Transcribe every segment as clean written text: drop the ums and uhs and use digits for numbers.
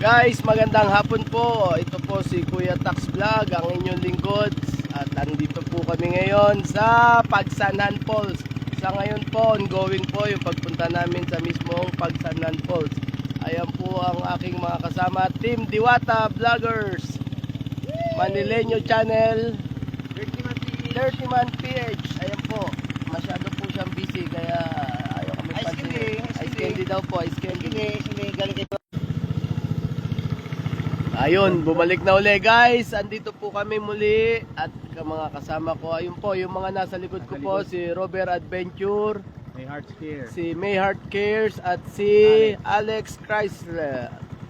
Guys, magandang hapon po. Ito po si Kuya Tax Vlog, ang inyong lingkod. At andito po kami ngayon sa Pagsanhan Falls. Sa ngayon po, ongoing po yung pagpunta namin sa mismong Pagsanhan Falls. Ayan po ang aking mga kasama, Team Diwata Vloggers, Manileño Channel, Dirty Man PH. Ayan po, masyado po siyang busy kaya ayaw kami pansin. Ice candy daw po, ice candy. Ayun, bumalik na uli guys. Andito po kami muli at mga kasama ko. Ayun po, yung mga nasa likod ko po, si Robert Adventure, Mayheart Care, si Mayheart Cares at si Alex Chrysler.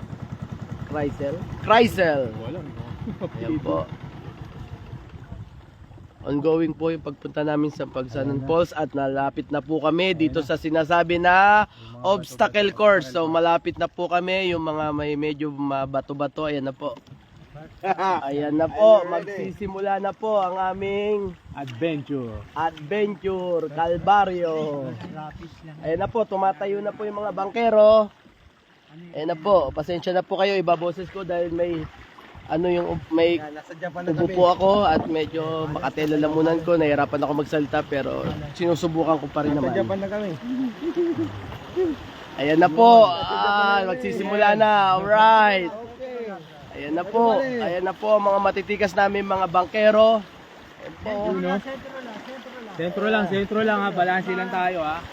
Chrysler. Walang Ayan po. Ongoing po yung pagpunta namin sa Pagsanhan Falls at nalapit na po kami dito sa sinasabi na obstacle course. So malapit na po kami, yung mga may medyo bato-bato. Ayan na po. Ayan na po, magsisimula na po ang aming adventure Calvario. Ayan na po, tumatayo na po yung mga bangkero. Ayan na po, pasensya na po kayo, ibaboses ko dahil may may upo po ako at medyo makatelalamunan ko, nahirapan ako magsalita pero sinusubukan ko pa rin naman. Japan na kami. Ayan na po, magsisimula na, alright. Ayan na po mga matitikas namin mga bangkero. Ayan po. Sentro lang ha, balanse lang tayo ha.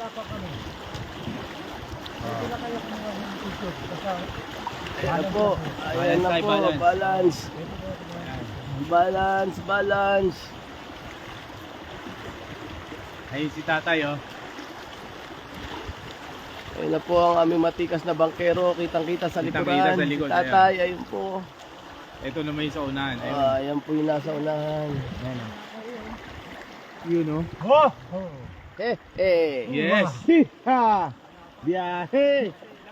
Ayan na po, balance. Ayun si tatay oh. Ayan na po ang aming matikas na bangkero, kitang-kita sa likuran. Kitang-kita sa likod, Tatay, ayun po. Ito naman yung sa unahan. Ayan po yung nasa unahan. Yun oh. Yes. Ha! Biyahe!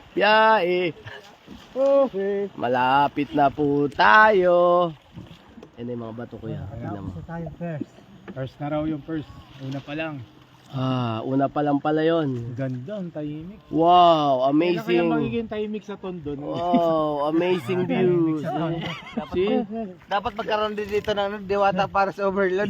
Okay. Malapit na po tayo. Yan yung mga bato ko yan. First na raw yung first. Una pa lang. Una pa lang pala yun. Ganda ang tahimik. Wow, Kaya amazing. magiging tahimik sa Tondo. Wow, amazing views. See? Dapat magkaroon din dito ng Diwata para sa overload.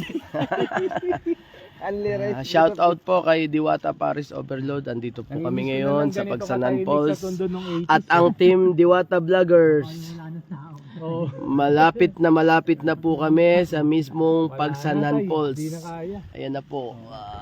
Shout out po kay Diwata Paris Overload. Andito po kami ngayon sa Pagsanhan Falls. At ang Team Diwata Vloggers. Malapit na po kami sa mismong Pagsanhan Falls. Ayan na po.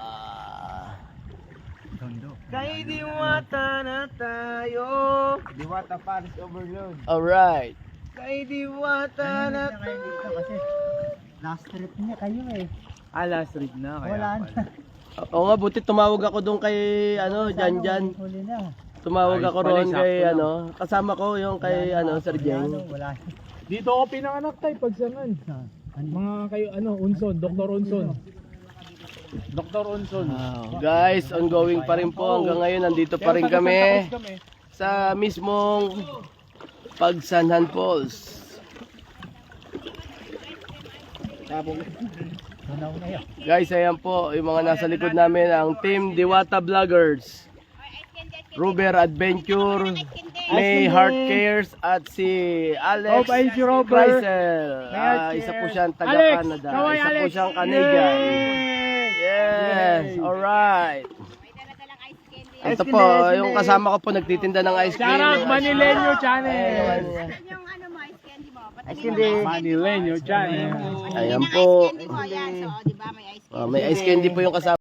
Kay Diwata na tayo. Diwata Paris Overload. Alright. Kay Diwata na tayo. Last trip niya kayo eh. Last trip na kaya. Wala na. Oo nga, buti tumawag ako doon kay Jan. Huli na. Tumawag ako Ayos pala, roon kay sakto kasama ko yung kay Sir Jeng. Wala. Dito ako pinanganak tayo Pagsanhan. Mga kayo Unson, Dr. Unson. Dr. Unson. Wow. Guys, ongoing pa rin po hanggang ngayon. Nandito pa rin kami sa mismong Pagsanhan Falls. Guys, ayan po yung mga nasa likod namin, ang Team Diwata Vloggers, Robert Adventure, Mayheart Cares at si Alex Chrysler. Isa po siyang taga Canada, isa po siyang Canadian. Yes, alright. Ito po, yung kasama ko po nagtitinda ng ice cream. Charot, Manileño Channel. Yung ano mo, ice candy mo. Ice candy. Manileño Channel. Ayan po. Ice candy mo, yan. So, di ba, may ice candy. May ice candy po yung kasama.